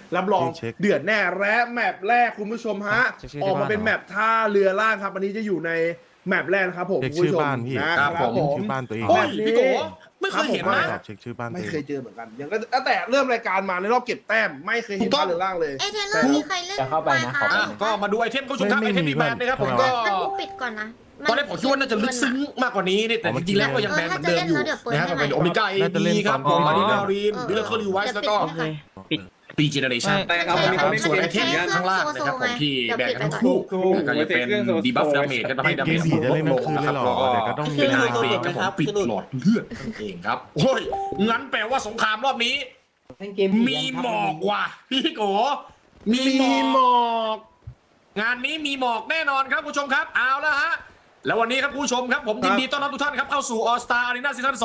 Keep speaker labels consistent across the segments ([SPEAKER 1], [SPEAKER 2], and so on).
[SPEAKER 1] รับรองเดือดแน่และแมปแรกคุณผู้ชมฮะออกมาเป็นแมปท่าเรือล่างครับอันนี้จะอยู่ในแมปแรกนะครับผมคุณผู้ชมนะครับผม
[SPEAKER 2] ชื่อบ้านตัวเอง
[SPEAKER 3] โอ้ยพี่โกไม่เคยเห็นนะ
[SPEAKER 2] เช็คชื่อบ้าน
[SPEAKER 1] ไม่เคยเจอเหมือนกันอย่างก็ตั้งแต่เริ่มรายการมาในรอบเก็บแต้มไม่เคยเห็นท่าเรือล่างเลย
[SPEAKER 4] เอเทเลอร์มีใครเล่นมาคะ
[SPEAKER 3] ก็มาดูไอเทมคุณผู้ชมครับไอเทมมีแบนนะครับผมก็
[SPEAKER 4] ปิดก่อนนะ
[SPEAKER 3] ตอนแรกผมคิดว่าน่าจะลึกซึ้งมากกว่านี้แต่จริงๆแล้วก็ยังแบนเหมือนเดิมอยู่นะครับเป็นโอเมก้าเอดีครับผมมารินารีนบิลเลอร์เคอร์ลิวไวส์แล้วก็ปีเจเนอเรชั่นส่วนไอเทมข้างล่างนะครับผมที่แบนทั้งคู่ก็จะเป็นดีบัฟดาเมจกันทำให้ดาเมจลดลงนะครับแล้วก็เป็นไฮเบรกครับผมปิดหลอดเลือดนั่นเองครับโอ้ยงั้นแปลว่าสงครามรอบนี้มีหมอกว่ะพี่โกมีหมอกงานนี้มีหมอกแน่นอนครับผู้ชมครับเอาละฮะแล้ววันนี้ครับผู้ชมครับผมยินดีต้อนรับทุกท่านครับเข้าสู่ All Star Arena Season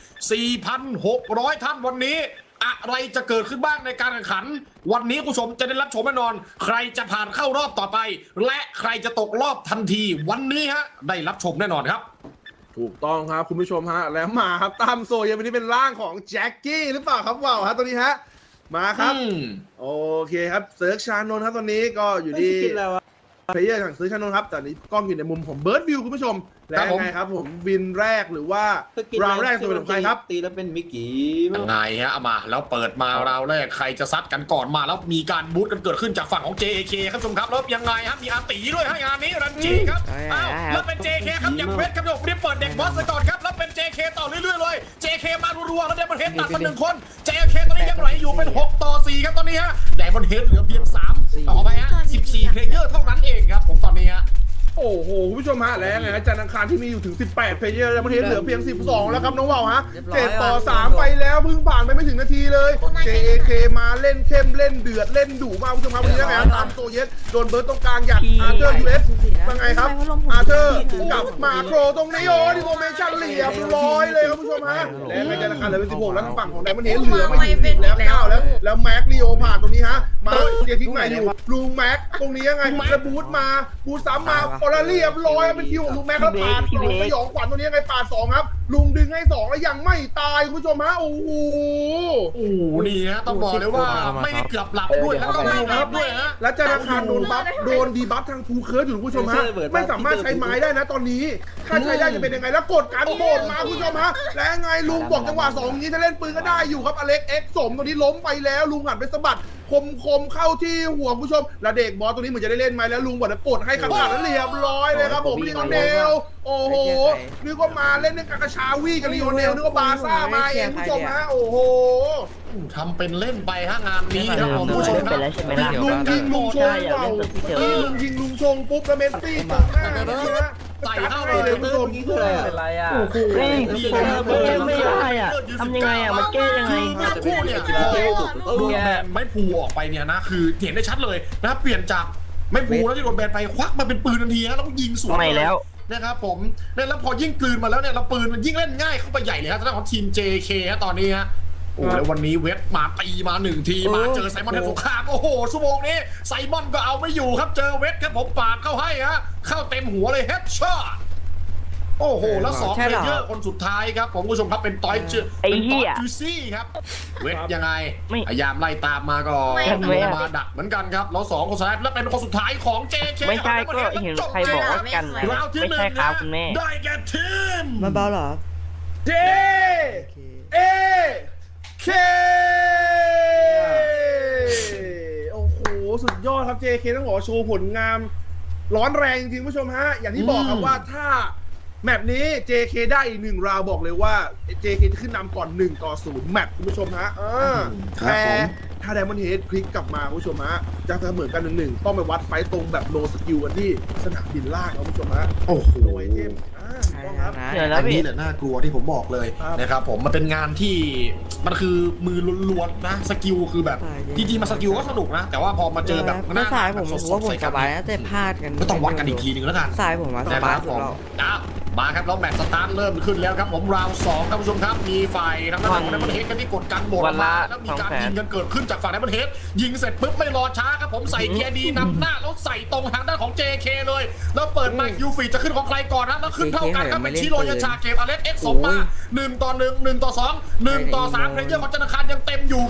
[SPEAKER 3] 2 4,600 ท่านวันนี้อะไรจะเกิดขึ้นบ้างในการแข่งขันวันนี้ผู้ชมจะได้รับชมแน่นอนใครจะผ่านเข้ารอบต่อไปและใครจะตกรอบทันทีวันนี้ฮะได้รับชมแน่นอนครับ
[SPEAKER 1] ถูกต้องครับคุณผู้ชมฮะแล้วมาครับตามโซยังวันนี้เป็นร่างของแจ็คกี้หรือเปล่าครับว้าวฮะตัวนี้ฮะมาครับโอเคครับเซิร์ชชานนท์ครับตอนนี้ก็อยู่ที่เพลเยอร์สั่งซื้อชานนท์ครับแต่นี้กล้องอยู่ในมุมของเบิร์ดวิวคุณผู้ชมและไงครับผมวินแรกหรือว่าราวแรกตัวเป็นของใครครับ
[SPEAKER 5] ตีแล้วเป็นมิกกี้
[SPEAKER 3] ยังไงฮะเอามาแล้วเปิดมาราวแรกใครจะซัดกันก่อนมาแล้วมีการบูทกันเกิดขึ้นจากฝั่งของ JK ครับผู้ชมครับแล้วยังไงฮะมีอาตีด้วยฮะงานนี้รันจีครับอ้าวแล้วเป็น JK ครับอย่างเวทครับผมรีบเปิดเด็กบอสก่อนครับแล้วเป็น JK ต่อเรื่อยๆเลย JK มารัวๆแล้วเดมอนเฮดตัดมา1คน JK ตอนนี้ยังไหลอยู่เป็น6 ต่อ 4ครับตอนนี้ฮะเดมอนเฮดเหลือเพียง3ต่อไปฮะ14เพลเยอร์เท่านั้นเองครับผมตอนนี้ฮะ
[SPEAKER 1] โอ้โหคุณผู้ชมฮะแล้วไงจันทร์อังคารที่มีอยู่ถึง18เพลเยอร์แล้วประเทศเหลือเพียง12แล้วครับน้องว่าวฮะ7 ต่อ 3ไปแล้วเพิ่งผ่านไปไม่ถึงนาทีเลย JK มาเล่นเข้มเล่นเดือดเล่นดุมากคุณผู้ชมครับวันนี้นะตามโซเยสโดนเบิร์ตตรงกลางหยัดอาร์เธอร์ US เป็นไงครับอาร์เธอร์กับมาโครตรงนี้โอ้ดิโมเมชั่นเหลี่ยมร้อยเลยครับคุณผู้ชมฮะแล้วไงจันทร์อังคารเหลือเป็น16แล้วทางฝั่งของไดมอนด์เฮดเหลือไม่ถึงแล้ว9แล้วแม็กลีโอผ่านตรงนี้ฮะมาเดียทิ้งใหม่อยู่ลุงแม็กตรงนี้ยังไงแล้วบูทมาบูทซ้ำมาออร์เรียบร้อยเป็นคิวของลุงแม็กแล้วปาด2สยองขวัญตัวนี้ยังไงปาด2ครับลุงดึงให้2แล้วยังไม่ตายคุณผู้ชมฮะโอ้โห
[SPEAKER 3] นี่ฮะต้องบอกเลยว่าไม่ได้เกือบหลับด้วยแล้วก็ไม่หลับด้วยฮะ
[SPEAKER 1] แล้วจันทร์อังคารโดนบัฟโดนดีบัฟทางทูเคิร์ดอยู่คุณผู้ชมฮะไม่สามารถใช้ไม้ได้นะตอนนี้ถ้าใช้ได้จะเป็นยังไงแล้วกดการโบดมาคุณผู้ชมฮะและไงลุงบอกจังหวะ2นี้ถ้าเล่นปืนก็ได้อยู่ครับอเล็กเอ็กซ์สมตัวนี้ล้มไปแล้วลุงหันไปสะบัดคมเข้าที่หัวคุณผู้ชมแล้วเด็กบอสตัวนี้เหมือนจะได้เล่นไหมแล้วลุงบอกจะกดให้ขนาดนั้นเรียบร้อยเลยครับผมลีโอเนลโอ้โหนึกว่ามาเล่นเรื่องกากาชาวีกับลีโอเนลนึกว่าบาซ่ามาเองคุณผู้ชมฮะโอ้โห
[SPEAKER 3] ทำเป็นเล่นไปฮะงานนี้ครับผมผู้ชมครับ
[SPEAKER 1] ลุงยิงลุงชงเปล่าลุงยิงลุงชงปุ๊บแล้วเมสซี่ตกหน้า
[SPEAKER 3] ใส่เข้าไปเลย
[SPEAKER 5] คุณผู้ชมนี่คืออะไรอ่ะ
[SPEAKER 1] โอ้โห
[SPEAKER 6] ไม่ได้อ่ะทำยังไงอ่ะมันแก้ยังไง
[SPEAKER 3] คู่เนี่ยไม่พูออกไปเนี่ยนะคือเห็นได้ชัดเลยนะเปลี่ยนจากไม่พูแล้วที่โดนแบนไปควักมาเป็นปืนทันทีแล้วต้องยิงสวน
[SPEAKER 6] แล้ว
[SPEAKER 3] นะครับผมแล้วพอยิ่งกลืนมาแล้วเนี่ยเราปืนมันยิ่งเล่นง่ายเข้าไปใหญ่เลยครับทางของทีม JK ฮะตอนนี้ฮะโอ้แล้ววันนี้เวทมาตีมา1ทีมาเจอไซมอนเทนสงครามโอ้โหชั่วโมงนี้ไซมอนก็เอาไม่อยู่ครับเจอเวทครับผมปาดเข้าให้ฮะเข้าเต็มหัวเลยเฮดช็อตโอ้โหแล้ว2เพลเยอร์คนสุดท้ายครับผมผู้ชมครับเป็นต้อยจูซี่ครับเวทยังไงพยายามไล่ตามมาก่อนมาดักเหมือนกันครับแล้ว2คนสุดท้ายแล้วเป็นคนสุดท้ายของ JK
[SPEAKER 6] ไม่ใช่ก็เห็นใครบอกว่ากันไม่ใช่ครับคุณแม่
[SPEAKER 3] ได้แก่ทีม
[SPEAKER 5] มันเบาเหรอ
[SPEAKER 1] JK โอ้โหสุดยอดครับ JK ต้องบอกโชว์ผลงานร้อนแรงจริงผู้ชมฮะอย่างที่บอกครับว่าถ้าแมปนี้ JK ได้อีก1ราวบอกเลยว่า JK จะขึ้นนำก่อน1 ต่อ 0แมปคุณผู้ชมฮะแต่ถ้าไดมอนด์เฮดพลิกกลับมาคุณผู้ชมฮะจะเสมอกัน1-1ต้องไปวัดไฟตรงแบบโลสกิลกันที่สนามบินล่างครับคุณผู้ชมฮะ
[SPEAKER 3] โอ้โห
[SPEAKER 1] โดยเทม
[SPEAKER 3] อันนี้แหละน่ากลัวที่ผมบอกเลยนะครับผมมันเป็นงานที่มันคือมือล้วนๆนะสกิลคือแบบจริงๆมาสกิลก็สนุกนะแต่ว่าพอมาเจอแบบ
[SPEAKER 5] หน้าสายผมว่าผมสบายแต่พลาดกัน
[SPEAKER 3] ก็ต้องวัดกันอีกทีนึงแล้วกัน
[SPEAKER 5] สายผมว่าสบายสุดแล้ว
[SPEAKER 3] มาครับแล้วแมตช์สตาร์ทเริ่มขึ้นแล้วครับผมราว2ครับผู้ชมครับมีฝ่ายทางด้านของไดมอนด์เฮดกันที่กดกันหมดมาแล้วมีการยิงกันเกิดขึ้นจากฝั่งไดมอนด์เฮดยิงเสร็จปุ๊บไม่รอช้าครับผมใส่เกียร์ดีนำหน้าแล้วใส่ตรงทางด้านของ JK เลยแล้วเปิดมายูฟีจะขึ้นของใครก่อนนะแล้วขึ้นเท่ากันครับเป็นชิโรยาชาเกมอเล็กเอ็กซ์สมมา1 ต่อ 1 1 ต่อ 2 1 ต่อ 3เพลเยอร์ของจันทร์อังคารยังเต็มอยู่ครับ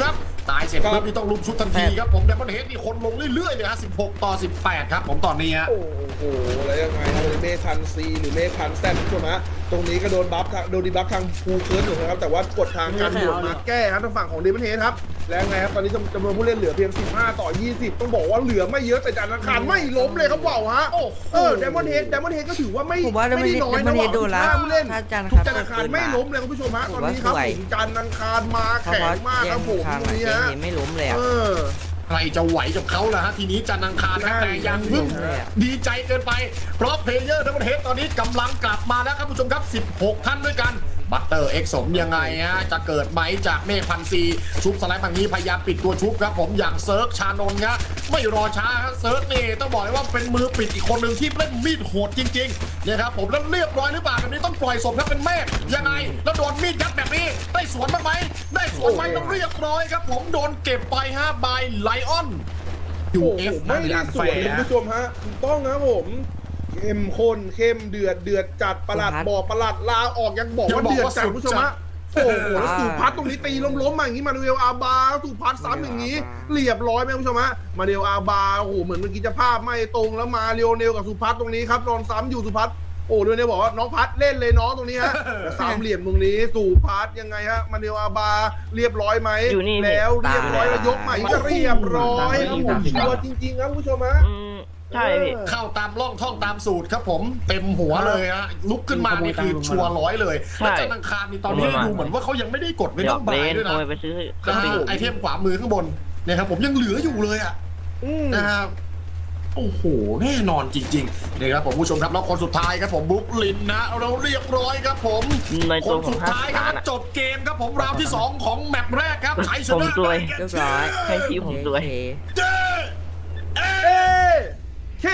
[SPEAKER 3] ตายเสร็จปุ๊บนี่ต้องลุมชุดทันทีครับผมแต่มันเฮดนี่คนลงเรื่อยๆเลยฮะ16 ต่อ 18ครับผมตอนนี้ฮะ
[SPEAKER 1] โอ้โหแล้วยังไงฮะเมคันซีหรือเมคันแซนผู้ชมฮะตรงนี้ก็โดนบัฟโดนดีบัฟทางฟูเคิร์นอยู่นะครับแต่ว่ากดทางการด่วนมาแก้ครับทางฝั่งของเดมอนเฮดครับแล้วไงครับตอนนี้จำนวนผู้เล่นเหลือเพียง15 ต่อ 20ต้องบอกว่าเหลือไม่เยอะแต่จันทร์อังคารไม่ล้มเลยครับว่าวฮะเดมอนเฮดก็ถือว่าไม่
[SPEAKER 5] ผมว่า
[SPEAKER 1] ได้น้อยนะ
[SPEAKER 5] Diamond
[SPEAKER 1] ว่า
[SPEAKER 5] Head โดนแล้ว
[SPEAKER 1] ผู้เล่น
[SPEAKER 5] ถ้าจันทร์
[SPEAKER 1] ทุ
[SPEAKER 5] อั
[SPEAKER 1] ก
[SPEAKER 5] งคาร
[SPEAKER 1] จันทร์อังคารไม่ล้มเลยคุณผู้ชมฮะตอนนี้ครับจันทร์อังคารมา
[SPEAKER 5] เพราะ
[SPEAKER 1] แข็ง
[SPEAKER 5] ว่าม
[SPEAKER 1] ากครับผม
[SPEAKER 5] ทาง
[SPEAKER 1] ตรงนี้
[SPEAKER 5] เกม
[SPEAKER 1] ฮะ
[SPEAKER 5] นี้ไม่ล้มเลยอ่ะ
[SPEAKER 3] ใครจะไหวกับเขาล่ะฮะทีนี้จันทร์อังคารครับแต่ยังเพิ่งดีใจเกินไปเพราะเพลเยอร์ทั้งประเทศตอนนี้กำลังกลับมาแล้วครับผู้ชมครับ16 ท่านด้วยกันบัตเตอร์เอ็กสมยังไงฮะจะเกิดไหมจากเมฆพันซีชุบสไลด์ฝั่งนี้พยายามปิดตัวชุบครับผมอย่างเซิร์กชานนท์ครับไม่รอช้าครับเซิร์กนี่ต้องบอกเลยว่าเป็นมือปิดอีกคนหนึ่งที่เล่นมีดโหดจริงๆเนี่ยครับผมแล้วเรียบร้อยหรือเปล่าแบบนี้ต้องปล่อยศพครับเป็นเมฆยังไงแล้วโดนมีดยัดแบบนี้ได้สวนบ้างไหมได้สวนไหมต้องเรียบร้อยครับผมโดนเก็บไปฮะบายไลออน
[SPEAKER 1] โอ้โหไม่ได้สวยคุณผู้ชมฮะถูกต้องครับผมเข้มข้นเข้มเดือดจัดประหลัดบอกประหลัดลาออกยังบอกว่าเดือดจัดคุณผู้ชมฮะโอ้โหแล้วสุพัฒน์ตรงนี้ตีล้มมาอย่างนี้มาเรียวอาบาสุพัฒน์ซ้ำอย่างนี้เรียบร้อยไหมคุณผู้ชมฮะมาเรียวอาบาโอ้โหเหมือนเมื่อกี้จะภาพไม่ตรงแล้วมาเรียวเนลกับสุพัฒน์ตรงนี้ครับโดนซ้ำอยู่สุพัฒน์โอ้เรียวเนลบอกว่าน้องพัฒน์เล่นเลยน้องตรงนี้ฮะสามเหลี่ยมตรงนี้สุพัฒน์ยังไงฮะมาเรียวอาบาเรียบร้อยไหมแล้วเรียบร้อยแล้วยกใหม่ก็เรียบร้อยครับผมชัวร์จริงๆครับคุณผู้ชมฮะ
[SPEAKER 6] ใช่พี่
[SPEAKER 3] เข้าตามร่องท่องตามสูตรครับผมเต็มหัวเลยฮะลุกขึ้นมานี่คือชัวร์ร้อยเลยแล้วจันทร์อังคารนี่ตอนนี้ดูเหมือนว่าเขายังไม่ได้กดไม่
[SPEAKER 6] หย
[SPEAKER 3] ต้
[SPEAKER 6] อ
[SPEAKER 3] อง
[SPEAKER 6] ก
[SPEAKER 3] บา
[SPEAKER 6] เล่
[SPEAKER 3] ย
[SPEAKER 6] น
[SPEAKER 3] ด้วย
[SPEAKER 6] ข
[SPEAKER 3] นะ
[SPEAKER 6] โมยไปซื้อ
[SPEAKER 3] ไอเทมขวามือข้างบนเนี่ยครับผมยังเหลืออยู่เลยอ่ะนะครับโอ้โหแน่นอนจริงๆนี่ครับผมผู้ชมครับแล้วคนสุดท้ายครับผมบุ๊กลินนะเราเรียบร้อยครับผม
[SPEAKER 6] ใน
[SPEAKER 3] ค
[SPEAKER 6] ตัวน ขอ
[SPEAKER 3] สุ
[SPEAKER 6] ง
[SPEAKER 3] ด
[SPEAKER 6] 5
[SPEAKER 3] ท้ายครับ
[SPEAKER 6] ล้านอะ
[SPEAKER 3] จบเกมครับผมราวที่2ของแมปแรกครับชัยช
[SPEAKER 6] ผม
[SPEAKER 3] นะ
[SPEAKER 6] ซวย
[SPEAKER 5] เรียบร้อย
[SPEAKER 6] ให้ทีมผมซวย
[SPEAKER 5] โอเค
[SPEAKER 3] เย้เอ๊ะ
[SPEAKER 1] เค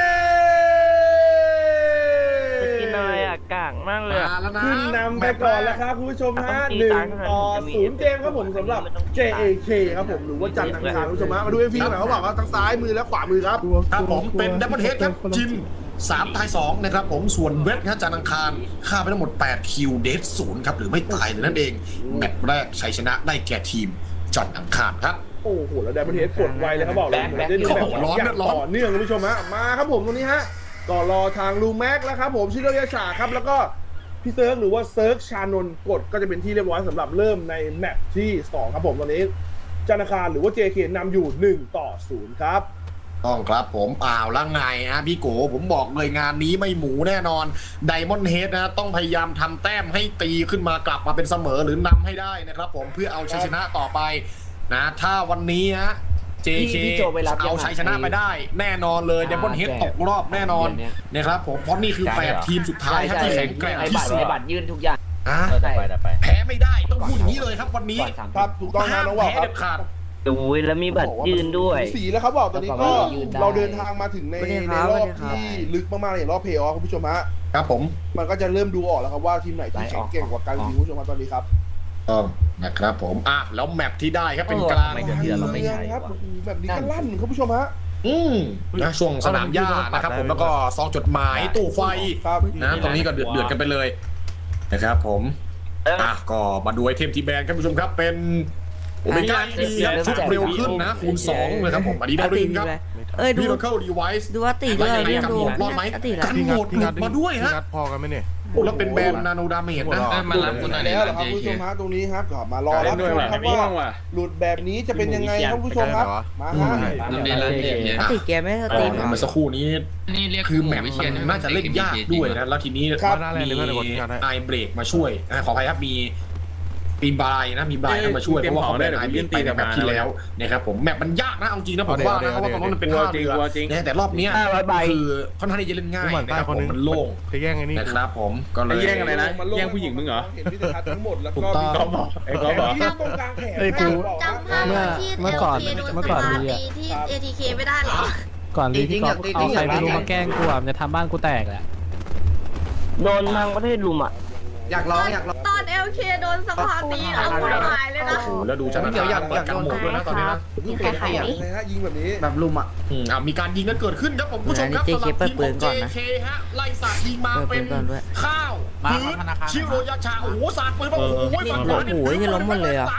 [SPEAKER 6] จะกินอะไรอ่ะกากมากเลย
[SPEAKER 3] มาแล้วนะ
[SPEAKER 1] ขึ้นนำไปก่อนแล้วครับคุณผู้ชมฮะ1-0เกมครับผมสำหรับ JAK ครับผมหรือว่าจันทร์อังคารคุณผู้ชมฮะมาดู MVP หน่อยเขาบอกว่าทั้งซ้ายมือและขวามือครับ
[SPEAKER 3] ครับผมเป็นดับเบิลเฮดครับจิม3 ตาย 2 นะครับผมส่วนเวทครับจันทร์อังคารฆ่าไปทั้งหมด8คิวเดท0ครับหรือไม่ตายเลยนั่นเองแมตช์แรกชัยชนะได้แก่ทีมจันทร์อังคารครับ
[SPEAKER 1] โอ้โหแล้วไดมอนด์เฮดกดไวเลยเขาบอกเลยเหมือนได้ดูแบบอย่างต่อเนื่องคุณผู้ชมฮะมาครับผมตรงนี้ฮะก็รอทางลูแม็กแล้วครับผมชิโรยาชาครับแล้วก็พี่เซิร์กหรือว่าเซิร์กชานนท์กดก็จะเป็นที่เรียบร้อยสำหรับเริ่มในแมตช์ที่2ครับผมตอนนี้จันทร์อังคารหรือว่า JK นำอยู่1-0ครับ
[SPEAKER 3] ต้องครับผมแล้วไงฮะพี่โกผมบอกเลยงานนี้ไม่หมูแน่นอนไดมอนด์เฮดนะต้องพยายามทำแต้มให้ตีขึ้นมากลับมาเป็นเสมอหรือนำให้ได้นะครับผมเพื่อเอาชัยชนะต่อไปนะถ้าวันนี้ฮะ JK เอาชัยชนะไปได้แน่นอนเลยไดมอนด์เฮดตกรอบแน่นอนนะครับผมเพราะนี่คือ8ทีมสุดท้ายครับที่แข็งแกร่งที่สุด
[SPEAKER 2] บัตรยื่นทุกอย่าง
[SPEAKER 3] แพ้ไม่ได้ต้องพูดอย่างนี้เลยครับวันนี้
[SPEAKER 1] ครับถูกต้องนะน้องว่าว
[SPEAKER 3] แพ้
[SPEAKER 1] ครับ
[SPEAKER 3] เด็ดขาด
[SPEAKER 6] ดูแล้วมีบัตรยืนด้วย
[SPEAKER 1] สีแล้วครับบอกตอนนี้ก็เราเดินทางมาถึงในรอบที่ลึกมากๆในรอบเพย์ออฟคุณผู้ชมฮะ
[SPEAKER 3] ครับผม
[SPEAKER 1] มันก็จะเริ่มดูออกแล้วครับว่าทีมไหนที่แข็งเก่งกว่ากันคุณผู้ชมตอนนี้ครับ
[SPEAKER 3] ต้องนะครับผมแล้วแมปที่ได้ครับเป็นกลาง
[SPEAKER 2] ไม่เดือดเราไม่ใช่
[SPEAKER 1] ครับโอ้โหแบบนี้ก็ลั่นคุณผู้ชมฮะ
[SPEAKER 3] นะช่วงสนามหญ้านะครับผมแล้วก็ซองจดหมายตู้ไฟ
[SPEAKER 1] ครับ
[SPEAKER 3] นะตรงนี้ก็เดือดกันไปเลยนะครับผมก็มาดูไอเทมที่แบนครับผู้ชมครับเป็นโอเมก้าดีครับชุดเร็วขึ้นนะคูณ2เลยครับผมอันนี้ได้รินครับ
[SPEAKER 5] ดู
[SPEAKER 3] Miracle Device
[SPEAKER 5] ดูว่าตีด้วยเรียบ
[SPEAKER 3] กัน
[SPEAKER 5] ดู
[SPEAKER 3] หมดรอดไหม
[SPEAKER 5] ตีละ
[SPEAKER 3] กันหมดหลุดมาด้วยฮะ
[SPEAKER 7] พอกันไหมเนี่ย
[SPEAKER 3] แล้วเป็นแบรนด์นาโนดาเมจนะ
[SPEAKER 2] มารับคุณหน่อย
[SPEAKER 1] แล้วเหรอครับคุณผู้ชมฮะตรงนี้ครับก็มารอรับชมครับว่าหลุดแบบนี้จะเป็นยังไงครับคุณผู้ชมครับมาฮะ
[SPEAKER 5] ตีแกไม่สตรีม
[SPEAKER 3] เมื่อสักครู่นี้
[SPEAKER 2] นี่เรียก
[SPEAKER 3] คือแมปมันน่าจะเล่นยากด้วยนะแล้วทีนี้มีไอเบรกมาช่วยขออภัยครับมีบายนะมีบายมาช่วยเพราะว่าเขาได้ไอเบรกไปในแมปที่แล้วนะครับผมแมปมันยากนะเอาจริงนะผมว่านะเพราะว่าตรงนั้นมันเป็นท่าเรือแต่รอบนี้คือค่อนข้างที่จะเล่นง่ายนะครับผมมันโล่ง
[SPEAKER 7] จะแย่งไอ้นี่
[SPEAKER 3] นะครับผมก็เลย
[SPEAKER 2] แย่งอะไรนะ แย่งผู้หญิงมึงเหรอ
[SPEAKER 1] เห็นวิทยาทั้งหมดแล้ว
[SPEAKER 3] ถู
[SPEAKER 1] ก็
[SPEAKER 3] กต้อง
[SPEAKER 2] ไอ้ก๊อฟบอก
[SPEAKER 1] ที่ตรงกลางแขน
[SPEAKER 4] จำภาพที่
[SPEAKER 8] เมื่อก่อน
[SPEAKER 4] LK โดน
[SPEAKER 8] เมื่อก่อน
[SPEAKER 4] ส
[SPEAKER 8] มี
[SPEAKER 4] ตา
[SPEAKER 8] อะ
[SPEAKER 4] ร์ตีที่ ATK ไม่ได้เหรอ
[SPEAKER 8] ก่อนที่พี่ก๊อฟเอาใครไม่รู้มาแกล้งกูอ่ะมันจะทำบ้านกูแตกแหละ
[SPEAKER 6] โดนทางประเทศลุมอ่ะ
[SPEAKER 5] อยากร้องอยากร้อง
[SPEAKER 4] ตอน LK โดนสภาตีเอาหัวหายเลยนะ
[SPEAKER 3] แล้วดูจันทร์เปิดกันหมดด้วยนะตอนนี้นะ
[SPEAKER 4] มีใครขายไหม
[SPEAKER 1] นะฮะยิงแบบนี้
[SPEAKER 5] แบบลุมอ่ะ
[SPEAKER 3] มีการยิงกันเกิดขึ้นครับผมผู้ชมครับสำหรับทีมของ JK ฮะไล่สาดยิงมาเป็นข้าวพื้นชิโรยาชาโอ้โหสาดปืนมาโอ้โหฝั่งขวา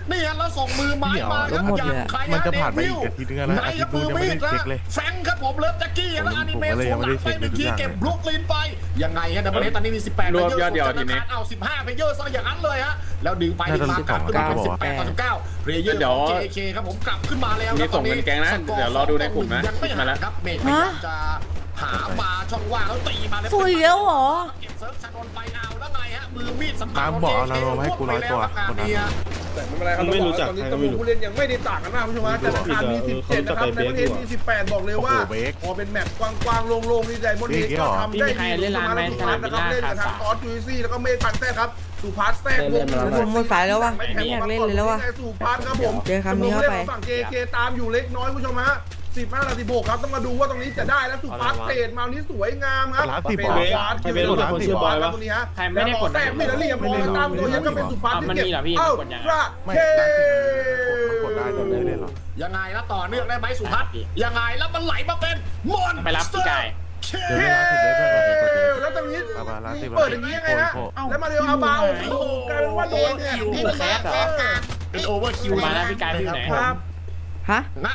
[SPEAKER 3] นี่ฮะแล้วส่งมือไม้มาครับอย่างใคร
[SPEAKER 7] มันจะผ่านไปอีกอาทิตย์นึงแล้ว
[SPEAKER 3] ไหนครับมือมีดนะแฟงครับผมเลิฟแจ็คกี้แล้วอนิเมะสวนหลังไปหนึ่งทีเก็บบลุกลินไปยังไงฮะดับเบิลเฮดตอนนี้มี18
[SPEAKER 2] รวมยอดเดียวทีนี้
[SPEAKER 3] เอา15เพลเยอร์ซะอย่างนั้นเลยฮะแล้วดึงไปดึงมากลับขึ้นมาเป็น18ต่อ19เพลเยอร์ของ JK ครับผมกลับขึ้นมาแล้ว
[SPEAKER 2] มีส่งเงินแกงนะเดี๋ยวรอดูในกลุ่มนะ
[SPEAKER 3] ยังไม่
[SPEAKER 2] มา
[SPEAKER 3] หา
[SPEAKER 2] แล้ว
[SPEAKER 3] ครับเมฆพยายามจะหามาช่องว่างแล้วตีมาเลย
[SPEAKER 5] สวยแล้วเหรอ
[SPEAKER 3] เก็บเซิร์ฟชานนไปเอาแล้วไงฮะมือมีดสำคัญ
[SPEAKER 7] ตามบอกเอาเราให้กู100ตัวคนนั้น
[SPEAKER 1] แต่ไม่เป็นไรครับตอนนี้ตำรวจผู้เล่นยังไม่ได้ต่างกันมากคุณผู้ชมจันทร์อังคารมี17นะครับในประเทศมี18บอกเลยว่าพอเป็นแมตช์กว้างๆโล่งๆนี่ไดมอนด์เฮดก็ทำได้ดีสุมาแล้วสุพาร์ทนะครับเล่นกับทางออสจูซี่แล้วก็เมฆพันแท้ครับสุพาร์ทแท้วง
[SPEAKER 5] ผมหมดสายแล้ววะไม่อยากเล่นเลยแล้ววะ
[SPEAKER 1] สุพาร์ทครับผม
[SPEAKER 5] เจอคำนี้เข้าไป
[SPEAKER 1] ฝั่ง JK ตามอยู่เล็กน้อยคุณผู้ชมฮะ15นาที16ครับต้องมาดูว่าตรงนี้จะได้แล้วสุพาร์ทเตะมานี้สวยงามครับเป็นสุพาร์ทคิวเป็นคนชื่อบอยครับตรงนี้ฮะแล้วก็แทรกมีแล้วเรียบร้อยตามตัวยังก็เป็นสุพาร์ทที่เก็บเอ้าราเท
[SPEAKER 7] กดได้แต่ไม่ได้หรอ
[SPEAKER 3] ยังไงแล้วต่อเนื่องได้ไหมสุพัฒน์ยังไงแล้วมันไหลมาเป็นมอน
[SPEAKER 2] ไปรับพี่ไก่
[SPEAKER 1] เฮ้แล้วตรงนี้เปิดอย่างนี้ยังไงฮะแล้วมาเร็วเอาเบาโอ้โหกลายเป็นว่าโดนเนี่ย
[SPEAKER 4] นี่คือแค่การ
[SPEAKER 3] เป็นโอเวอร์คิว
[SPEAKER 2] มาแล้วพี่ไก่ที่ไหน
[SPEAKER 1] ครับ
[SPEAKER 5] ฮะ
[SPEAKER 3] นะ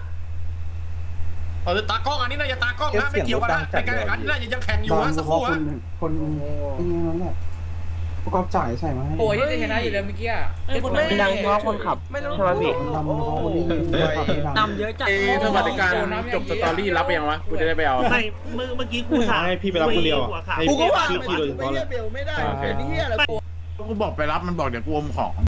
[SPEAKER 3] ตากล้องอันนี้น่าจะตากล้องนะไม่เกี่ยวกันนะในการแข่งขันน่าจะยังแข่งอยู่นะสักครู่ฮะ
[SPEAKER 9] คนนี่นั่นแหละประกอบจ่ายใส่มาให้
[SPEAKER 2] โอ้ยจะชนะอยู่แล้วเมื่อกี้อ่ะ
[SPEAKER 6] ไม่ดังเพราะคนขับใช่ไหมพี่
[SPEAKER 9] ดำเขาคนนี้ดำเยอะจัด
[SPEAKER 2] ถ้าบัตรการจบสตอรี่รับไปยังวะกูจะได้ไปเอา
[SPEAKER 9] ไม่เมื่อกี้กูสั่งให้พี่ไปรับคนเดียวให้
[SPEAKER 1] กูก็ว่า
[SPEAKER 9] พี่
[SPEAKER 1] ไม่ได้เบลไม่ได้เป็นเฮียอะไรกู
[SPEAKER 7] กูบอกไปรับมันบอกเดี๋ยวกูอมของ